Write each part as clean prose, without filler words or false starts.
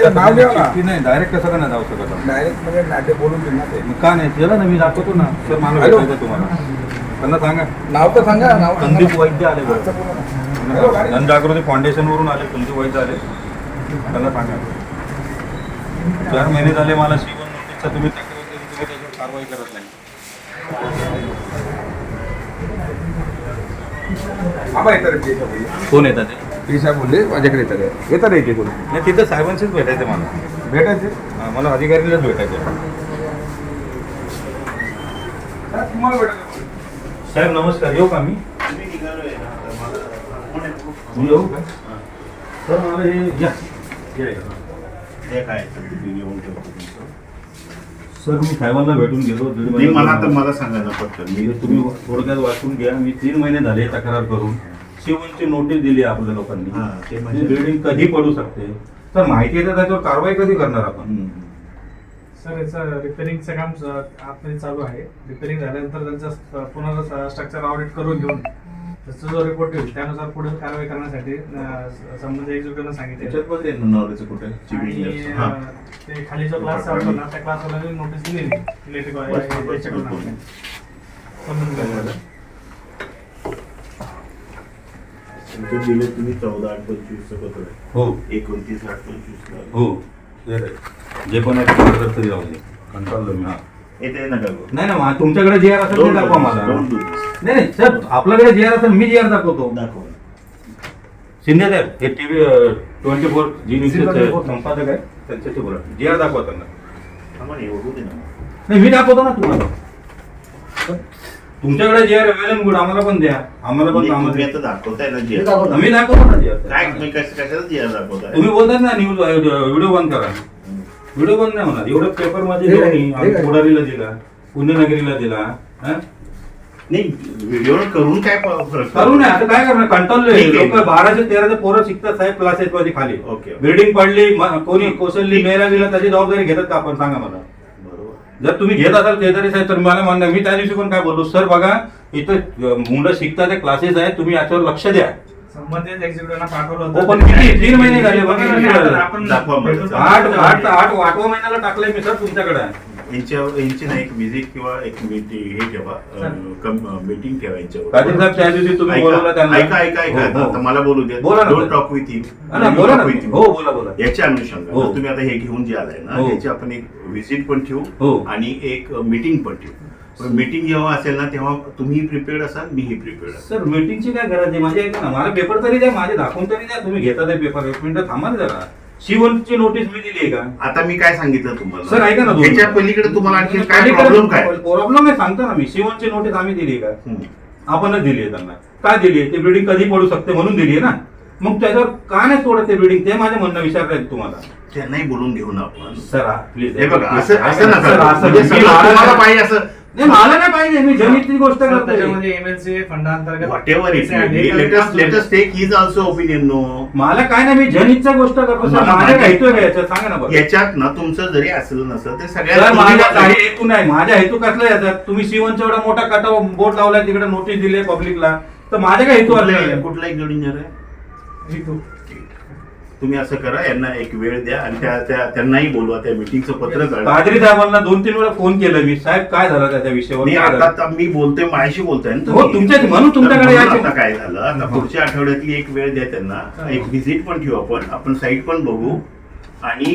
नाव घ्या ना. की नाही डायरेक्ट कसं का नाही जाऊ शकत आपण? डायरेक्ट म्हणजे नाटे बोलून देणार ते. मग का नाही त्याला ना मी दाखवतो ना सर मला हॅलो. भेटायचं तुम्हाला त्यांना सांगा. नाव तर सांगा. नाव सांगा. संदीप वैद्य आले बरं. असं बोला ना. हॅलो, गाडी. जनजागृती फाउंडेशनवरून आले संदीप वैद्य आले त्यांना सांगा 4 महिने झाले मला C1 नोटीसचा तुम्ही तक्रार केली तुम्ही त्याच्यावर कारवाई करत नाही. आम्हा येतात रे ते बोलले. कोण येतात ते? ते साहेब बोलले माझ्याकडे येतात येते बोलले. नाही तिथं साहेबांशीच भेटायचं मला. भेटायचे मला अधिकारीलाच भेटायचं. तुम्हाला भेटायचं. साहेब नमस्कार येऊ का मी? येऊ का सर मला हे या सर मी साहेबांना भेटून गेलो मला सांगा ना पटकन. तुम्ही थोडक्यात वाचून घ्या. मी 3 महिने झाले तक्रार करून C1ची नोटीस दिली आपल्या लोकांनी. बिल्डिंग कधी पडू शकते तर माहिती आहे तर त्याच्यावर कारवाई कधी करणार आपण? सर याचं रिपेअरिंगचं काम आतमध्ये चालू आहे. रिपेअरिंग झाल्यानंतर त्यांचं पुन्हा स्ट्रक्चर ऑडिट करून घेऊन त्याचा जो रिपोर्ट येईल त्यानुसार पुढील कारवाई करण्यासाठी संबंधित एक्झिक्युटिव्हला सांगितले. कुठे आणि ते खाली जो क्लास चालतो ना त्या क्लासवाल्याने नोटीस दिलेली इलेक्ट्रिक दिले तुम्ही 14/8/25 पत्र हो 29/8/25 हो जे पण आहे ते order तरी राहू दे. कंटाळलो मी. हा येते नका नाही ना तुमच्याकडे जे आर असेल ते दाखवा मला. दाखव. नाही नाही सर आपल्याकडे जे आर असेल मी जे आर दाखवतो. शिंदे साहेब हे TV 24 जी न्यूजचे संपादक आहे त्यांच्याशी बोला. जे आर दाखवा त्यांना. नाही मी दाखवतो ना तुम्हाला. तुमच्याकडे जे आर अवेलेबल गुड आम्हाला पण द्या. आम्हाला पण काम तुम्ही आता दाखवताय ना जी मी दाखवतो ना जे आर. काय तुम्ही कशाला जी दाखवताय? तुम्ही बोलतात ना न्यूज व्हिडिओ बंद करा. व्हिडिओ बंद नाही होणार. एवढं पेपर मध्ये आम्ही कोडारीला दिला पुण्यनगरीला दिला. नाही व्हिडिओ करून काय फरक करू नये आता काय करणार कंटाळलोय. ठीक आहे. लोक 12-13 पोरं शिकतात साहेब क्लासेस मध्ये खाली. ओके. बिल्डिंग पडली कोणी कोसळली मेला गेला त्याची जबाबदारी घेतात का आपण सांगा मला. बरोबर. जर तुम्ही घेत असाल शेजारी साहेब तर मला म्हणणं मी त्या दिवशी पण काय बोललो सर बघा इथं मुलं शिकतात क्लासेस आहेत तुम्ही याच्यावर लक्ष द्या. संबंधित एक्झिक्युटिव्हला पाठवलं हो, पण किती 3 महिने झाले बघा ना. आपण दाखवा मला. 8 महिन्याला टाकलंय मी सर तुमच्याकडे. यांची ना एक व्हिजिट किंवा एक मीटिंग हे ठेवा मीटिंग ठेवा यांच्यावर. काजीर साहेब त्या दिवशी तुम्ही बोलवलं त्यांना. ऐका हो, हो. आता मला बोलू द्या. बोला ना. Don't talk with him. बोला ना. हो बोला याच्या अनुषंगाने हो. तुम्ही आता हे घेऊन जे आलाय ना हो. त्याची आपण एक व्हिजिट पण हो. ठेवू आणि एक मीटिंग पण ठेवू. मीटिंग जेव्हा असेल ना तेव्हा तुम्ही प्रिपेअर्ड असाल मीही प्रिपेअर्ड असाल. सर मीटिंगची काय गरज आहे माझी ऐका ना मला पेपर तरी द्या माझे दाखवून तरी द्या. तुम्ही घेता ते पेपर 1 मिनिट थांबा ना जरा. C1ची नोटीस मी दिली आहे का? आता मी काय सांगितलं तुम्हाला सर ऐका ना त्याच्या पलीकडे तुम्हाला आणखी काय प्रॉब्लेम काय? प्रॉब्लेम आहे सांगतो ना मी. C1ची नोटीस आम्ही दिली आहे का? हम्म. आपणच दिली आहे त्यांना. काय दिली आहे? ते बिल्डिंग कधी पडू शकते म्हणून दिली आहे ना. मग त्याच्यावर का नाही तोडत ते बिल्डिंग ते माझं म्हणणं विचारलंय तुम्हाला. त्यांनाही बोलून घेऊ ना आपण. सर प्लीज हे बघा असं नका. सर, असं म्हणजे मी सगळं मला तुम्हाला नाही- पाहिजे असं नाही मला नाही पाहिजे मी जनितची गोष्ट करतोय. त्याच्यामध्ये MLC फंडाअंतर्गत whatever latest take his also opinion no. मला काय नाही मी जनितच्या गोष्ट करतो सर. मला माझ्या माहिती- हेतू आहे का याच्यात सांगा ना बरं. याच्यात ना तुमचं जरी असलं नसलं ते सर माझा सगळ्या काही हेतू नाही. माझ्या हेतू कसला याच्यात तुम्ही C1चा एवढा मोठा कटाव बोर्ड लावलाय तिकडे नोटीस दिली पब्लिकला तर माझ्या काय हेतू आले? कुठला एक इंजिनियर आहे हेतू. तुम्ही असं करा यांना एक वेळ द्या आणि त्यांनाही बोलवा त्या मीटिंगचं पत्र काढा. काजरी साहेबांना 2-3 वेळा फोन केला मी साहेब काय झालं त्याच्या विषयावर नाही काय झालं? आता मी बोलतोय माझ्याशी बोलताय ना हो तुमच्या म्हणून तुमच्याकडे आता यायचे. काय झालं आता पुढच्या आठवड्यातली एक वेळ द्या त्यांना. एक व्हिजिट पण ठेवू आपण साईट पण बघू आणि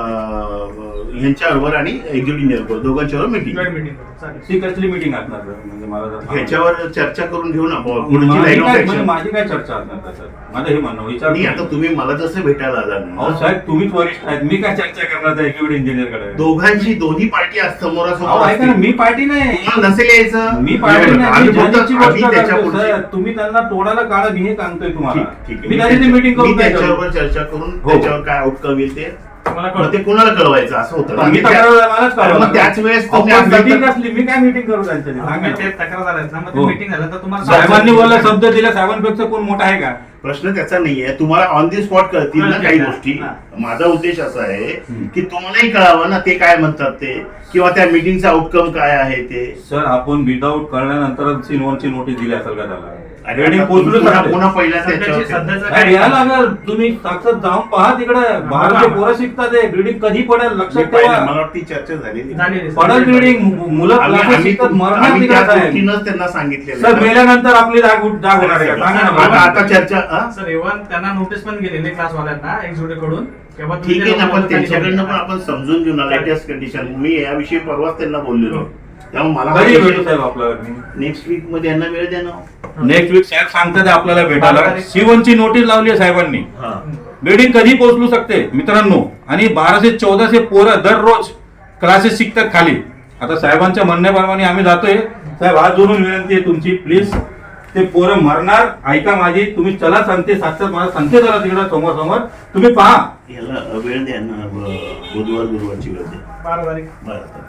ह्यांच्याबरोबर आणि एक्झिक्युटिव्ह दोघांच्यावर मीटिंग ती कसली मीटिंग असणार म्हणजे मला जर- ह्याच्यावर चर्चा करून घेऊ ना पुढची माझी लाईन ऑफ काय- ऍक्शन. माझी काय चर्चा असणार त्याच्यात? माझं हे म्हणणं विचार नाही आता तुम्ही मला जसं भेटायला आला अहो ना साहेब तुम्हीच वरिष्ठ आहेत मी काय चर्चा करणार त्या एक्झिक्युटिव्ह इंजिनियरकडे? दोघांची दोन्ही पार्टी आज अहो समोरासमोर ऐका ना असतील. मी पार्टी नाही. तुम्हाला नसेल यायचं मी पार्टी नाही आम्ही मी बोलतो, जनितची आम्ही गोष्ट त्याच्या करतोय, पुढची- सर. तुम्ही त्यांना तोडाला काढा मी हे सांगतोय तुम्हाला. ठीक आहे. मी त्याची मीटिंग करून मी काय करू? त्याच्यावर चर्चा करून हो. त्याच्यावर काय आउटकम येईल ते मला मग ते कुणाला कळवायचं असं होतं ना. मी तक्रार मलाच अरे मग त्याच वेळेस तुम्ही असतात तर- मीटिंग असली मी काय मीटिंग करू त्यांच्याशी सांगा ना. ते तक्रार झाल्यात ना मग हो. ते मीटिंग झालं तर तुम्हाला साहेबांनी बोलला शब्द दिला साहेबांपेक्षा कोण मोठा आहे का? प्रश्न त्याचा नाहीये तुम्हाला ऑन दी स्पॉट कळतील ना काही गोष्टी. हा. माझा उद्देश असा आहे की तुम्हालाही कळावं ना ते काय म्हणतात ते किंवा त्या मीटिंगचा आउटकम काय आहे ते. सर आपण विदाऊट कळल्यानंतर C1ची नोटीस दिली असेल का त्याला? अरे बिल्डिंग आता पोहोचलो पुन्हा सर. पुन्हा पहिल्या सध्याची त्याच्यावर सध्याचं काय यायला लागेल तुम्ही साक्षात जाऊन पहा तिकडे बाहेरचे पोरं शिकतात ते बिल्डिंग कधी पडेल मी लक्षात पाहिलं, ठेवा. मला वाटतं ती चर्चा झालेली झालेली. पडेल बिल्डिंग मुलं क्लासेस शिकतात मरणार आम्ही त्या तिकडे साहेब. दृष्टीनंच त्यांना सांगितलेलं सर आहे. मेल्यानंतर आपली जाग होणार आहे का सांगा ना आता मला. आता चर्चा हा? सर इव्हन त्यांना नोटीस पण गेलेली क्लासवाल्यांना एक्झिक्युटिव्ह कडून किंवा तुम्ही ठीक आहे ना, ते पण लोकांना त्यांच्याकडनं पण खाली आपण समजून घेऊ ना लेटेस्ट कंडिशन. मी याविषयी परवाच त्यांना बोललेलो. त्यामुळे मला कधी भेटू साहेब आपल्याला नेक्स्ट वीक मध्ये यांना वेळ द्या ना. नेक्स्ट वीक साहेब सांगतात आपल्याला भेटायला. 12 तारीख. शिवनची नोटीस लावली आहे साहेबांनी. हा. बिल्डिंग कधी पोहोचलू शकते मित्रांनो. आणि 1200-1400 पोरं दररोज क्लासेस शिकतात खाली. आता साहेबांच्या म्हणण्याप्रमाणे आम्ही जातोय. साहेब हात जोडून विनंती आहे तुमची प्लीज. ते पोरं मरणार ऐका माझी. तुम्ही चला सांगते साक्षात मला सांगते जरा तिकडं समोर समोर तुम्ही पहा. याला वेळ द्या ना. बुधवार गुरुवारची वेळ द्या. 12 तारीख. बरं.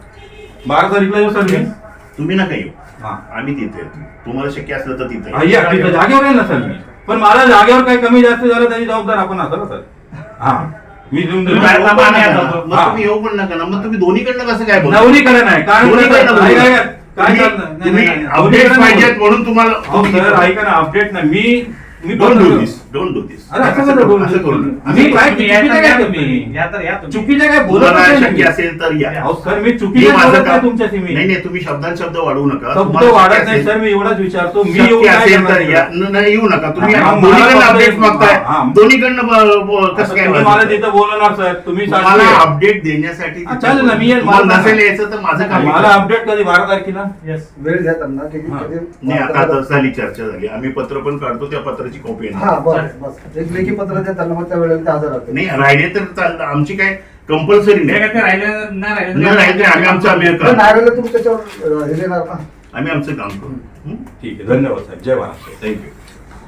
12 तारीखला येऊ सर मी. तुम्ही नका येऊ. हा. आम्ही तिथे येतो. तुम्हाला शक्य असलं तर तिथे हा, या, तिथं जागेवर आहे ना सर मी. पण मला जागेवर काही कमी जास्त झालं त्याची जबाबदार आपण असं ना सर. हा मी देऊन तुम्ही देतो. येऊ पण नका ना. जातो. मग तुम्ही येऊ पण नका ना. मग तुम्ही दोन्हीकडनं कसं काय बोलता? नवरीकडे नाही कारण दोन्हीकडनं कसं- बोलता. काय- काय तुम्ही- चालतं? नाही, तुम्ही नाही, नाही. अपडेट दोन्हीकडनं पाहिजेत बोलतो. म्हणून तुम्हाला अहो, सर ऐका ना अपडेट नाही मी डोंट डू बोलतो. दिस. Don't do this. अरे असं कसं बोलू? असं करू नका. मी काय तुम्ही या चुकीचं तर काय या करतो तुम्ही. मी? या तर या तुम्ही. चुकीचं काय बोलत तुम्हाला नाही शक्य मी. असेल तर या. अहो सर मी मी चुकीचं माझं बोलत नाही काम तुमच्याशी मी. नाही नाही तुम्ही शब्दांत शब्द वाढवू नका. शब्द तुम्हाला वाढत शक्य नाही असेल- सर मी एवढाच विचारतो मी येऊन शक्य काय असेल तर करणार या. आहे? नाही येऊ नका तुम्ही. हा, दोन्हीकडनं मला अपडेट फक्त- मागताय. हा. दोन्हीकडनं कसं काय तुम्ही मला तिथं बोलवणार सर तुम्ही मला साक्षी आहे. अपडेट देण्यासाठी हा, चालेल ना, मी येईल. तुम्हाला मला- नसेल यायचं तर माझं काम मला आहे. अपडेट कधी 12 तारखेला. Yes. वेळ द्या त्यांना की हा. नाही आता झाली चर्चा झाली. आम्ही पत्र पण काढतो त्या पत्राची कॉपी आहे. हा बस बस एक लेखी पत्र द्या त्यांना मग त्या वेळेला ते हजर राहतील. नाही राहिले तर चालतं. आमची काय कंपल्सरी ते नाही. काय ते राहिले नाही राहिले नाही राहिले आम्ही आमचं जर नाही काम राहिलं तुम्ही त्याच्यावर हे देणार ना. आम्ही आमचं काम करू. ठीक आहे धन्यवाद साहेब जय महाराष्ट्र. थँक्यू.